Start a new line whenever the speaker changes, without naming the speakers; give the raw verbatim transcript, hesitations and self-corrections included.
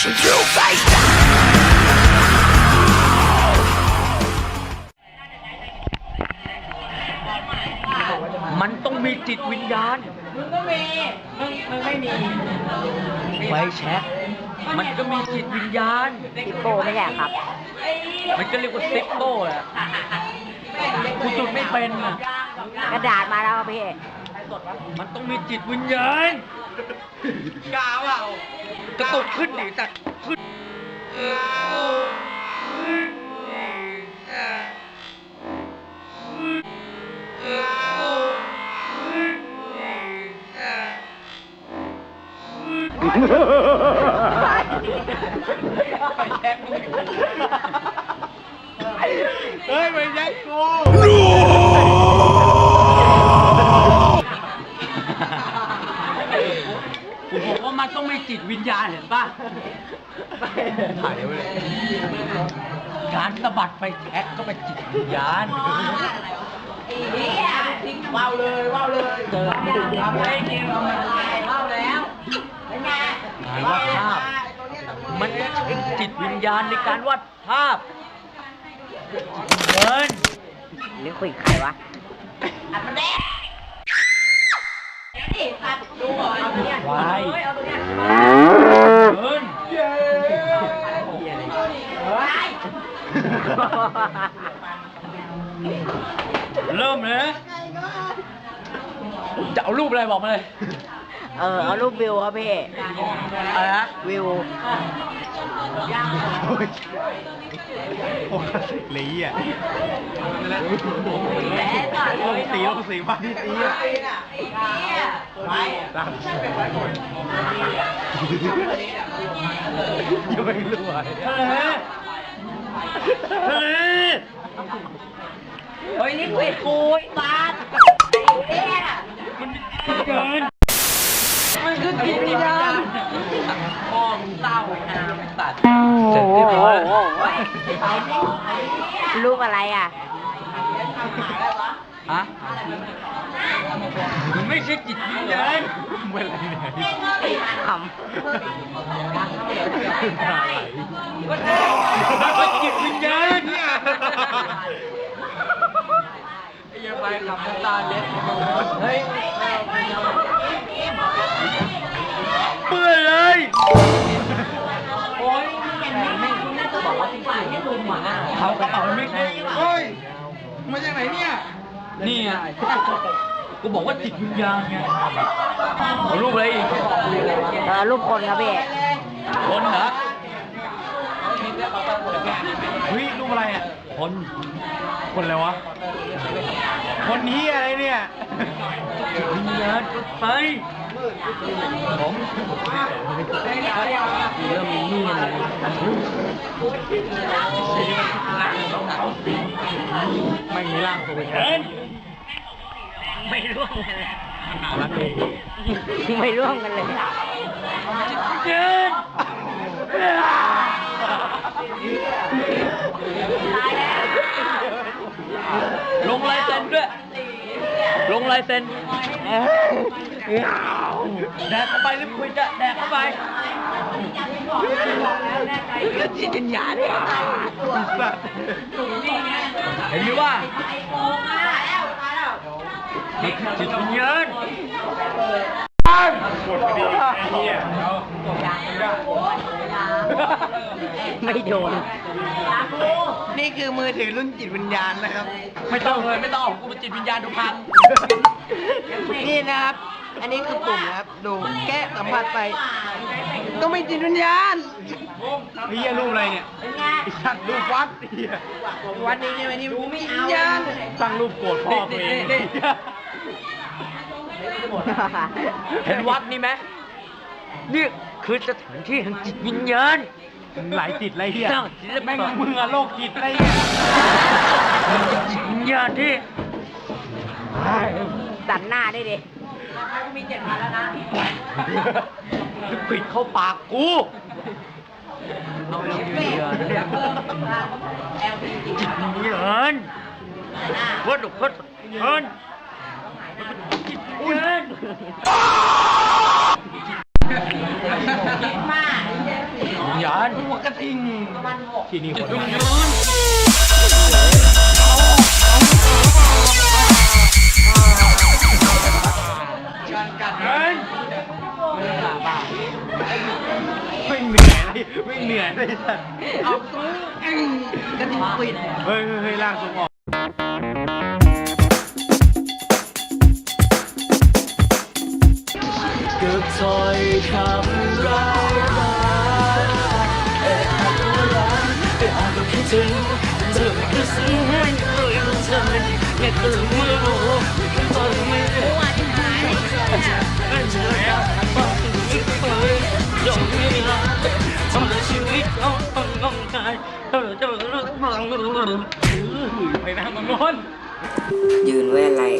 มันต้องมีจิตวิญญาณมึงก็มีมึงมึงไม่มีไฟแช็กมันก็มีจิตวิญญาณ
ซิปโป้ไม่ใช่ครับ
มันก็เรียกว่าซิปโป้แหละกูจุดไม่เป็นอ่ะ
กระดาษมาแล้วพี่
มันต้องมีจิตวิญญาณกาวอ่ะกระตุกขึ้นดิแต่ขึ้นเฮ้ยไปแจ็คกูผมบอกว่ามันต้องมีจิตวิญญาณเห็นป่ะถ่ายไว้เลยการสะบัดไฟแช็กก็เป็นจิตวิญญาณว้าวเลยว้าวเลยเจอทำให้กินว้าวแล้วเป็นไงวาดภาพมันใช้จิตวิญญาณในการวาดภาพเดิน
หรือคุยใครวะอัดมันแดงเดี๋ยวดิตัดดูเอาตัวเนี้ยเอาตัวเนี้ยเดิน
เริ่มเลยจะเอารูปอะไรบอกมาเลย
เออเอารูปวิวครับพี่
อะไรฮะ
วิว
โอ้สีอ่ะลงสีลงสีมาที่สีอ่ะตามยังไม่รู้อ่ะ
ทะเลทะเล
เฮ้ยนี่คุยคุยบาส
มันเกินมันคือจิตวิญญาณมองเต้าน้ำตัดเสร็จเรียบร้อย
รูปอะไรอ่ะ
ฮะมันไม่ใช่จิตวิญญาณ
เป็นอะไรเนี่ย
ขำ
มันเป็นจิตวิญญาณเนี่ยไอ้ยังไปขับน้ำตาเล็ดเฮ้ยเปื่อยเลยโอ้ยบอกว่าที่ฝ่ายที่ดูหมาเขากระเป๋าไม่ได้
เฮ้ยมาจากไหนเนี่ย
นี่ไงกูบอกว่าจิตวิญญาณไงเอารูปอะไรอีก
เออรูปคนครับพี่
คนเหรอ
เฮ้ยรูปอะไรอ่ะ
คน
คนอะไรวะคนนี้อะไรเนี่ย
จิตวิญญาณไปผมเริ่มมีนี่เลย
ไม่มีร่างตัวเป็น
ไม่ร่วมกันเลยไม่ร่วมกันเลย
เจินลงลายเซ็นด้วยลงลายเซ็นแดกเข้าไปหรือคุยจะแดกเข้าไปแล้วจิตวิญญาณเนี่ยเห็นไหมว่าจิตวิญญาณ
ไม่โดน
นี่คือมือถือรุ่นจิตวิญญาณนะครับ
ไม่ต้องเลยไม่ต้องเอากูเป็นจิตวิญญาณดูพัง
นี่นะครับอันนี้คือปุ่มนะครับดูแก้สัมผัสไปก็ไม่จิตวิญญาณเฮียรูปอะไรเนี่ยไอ้สัตว์รูปวัดเฮียวัดนี้ใช่ไหมนี่ดูไม่เอาตั้งรูปโกรธพ่อตัวเอง
เห็นวัดนี่ไหมนี่คือสถานที่แห่งจิตวิญญาณ
หลายจิตไรเฮียแม่งมึงอะโรคจิตไรเ
นี่ยจิตวิญญาณที่
ตัดหน้าได้ดิกูมีเจ็ดพันแล้วนะ
ปิดเข้าปากกูเอาจิตวิญญาณจิตวิญญาณวัดดุพัดเอิญจิตวิญญาณ
คิดมาก
วิญญญาณ
หัวกระทิง
ที่นี่คน
วิญ
มัน
ญาณ
การกัด
เฮ้ย
ไม่ต้องหาบ้า
ไม่เหนื่อยเลยไม่เหนื่อยเลยสัตว์
เอาซื้อกระทิงปิด
เฮ้ยเฮ้ยเฮ้ยล่างทรงออกเกือบซอยคำร้ายมาเอ๊ะอาจจะรักเอ๊ะอาจจะคิดถึงเธอไม่ซึ้งไม่เคยรู้เธอไม่เคยไม่รู้ตอนไม่รู้ว่าที่หายไม่เจอแล้วบอกถึงไม่เคยยอมไม่รักทำให้ชีวิตเราต้องงงงายเธอจะรู้บ้างหรือไปนะมังงอน
ยืนไว้อะไร